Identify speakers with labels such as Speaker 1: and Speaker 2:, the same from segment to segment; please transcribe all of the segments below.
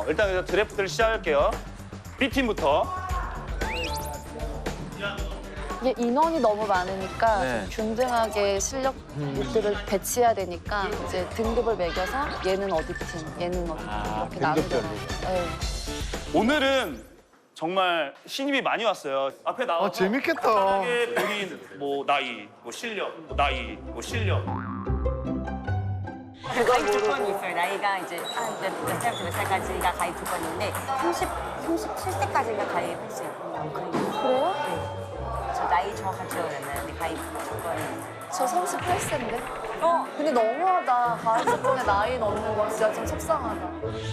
Speaker 1: 일단 그래서 드래프트를 시작할게요. B팀부터.
Speaker 2: 이게 인원이 너무 많으니까
Speaker 3: 네.
Speaker 2: 좀 균등하게 실력들을 배치해야 되니까 이제 등급을 매겨서 얘는 어디 팀, 얘는 어디 팀 이렇게 나누더라고요. 네.
Speaker 1: 오늘은 정말 신입이 많이 왔어요. 앞에 나와서
Speaker 4: 재밌겠다.
Speaker 1: 편하게 본인 뭐 나이, 뭐 실력, 나이, 뭐 실력.
Speaker 5: 가입 조건이 있어요. 나이가 이제 몇 살부터 몇 살까지가 가입 조건인데 37세까지가 가입할 수 있고
Speaker 2: 그래요?
Speaker 5: 네. 저 나이 정확한 기억이 안 나는데 가입 조건이
Speaker 2: 저 38세인데?
Speaker 5: 어?
Speaker 2: 근데 너무하다. 가을 조건에 나이 넣는 건 진짜 좀 속상하다.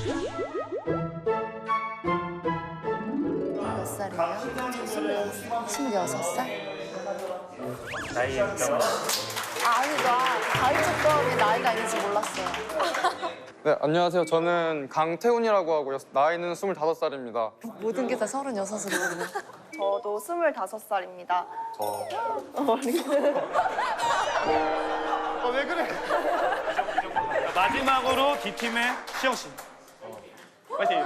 Speaker 2: 몇 살이에요? 저 26살?
Speaker 1: 나이 인정.
Speaker 2: 아니, 나 가입 조건에 나이가 있는지 몰랐어요.
Speaker 6: 네, 안녕하세요. 저는 강태훈이라고 하고요. 나이는 25살입니다.
Speaker 2: 모든 게 다 36으로거든요.
Speaker 7: 저도 25살입니다.
Speaker 4: 왜 그래?
Speaker 1: 마지막으로 D팀의 시영 씨. 파이팅.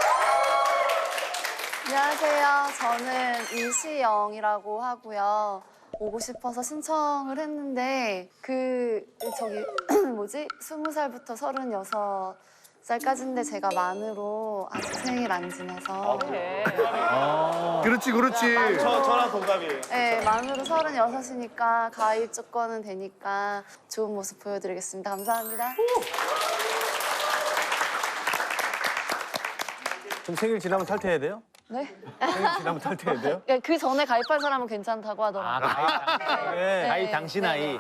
Speaker 2: 안녕하세요. 저는 이시영이라고 하고요. 오고 싶어서 신청을 했는데 저기 뭐지? 20살부터 36살까지인데 제가 만으로 아직 생일 안 지내서
Speaker 4: 그렇지, 그렇지.
Speaker 1: 저랑 동갑이에요.
Speaker 2: 네, 만으로 36이니까 가입 조건은 되니까 좋은 모습 보여드리겠습니다. 감사합니다.
Speaker 3: 좀 생일 지나면 탈퇴해야 돼요?
Speaker 2: 네?
Speaker 3: 생일 지나면 탈퇴해야 돼요?
Speaker 2: 그 전에 가입한 사람은 괜찮다고 하더라고요.
Speaker 3: 가입 당시 나이.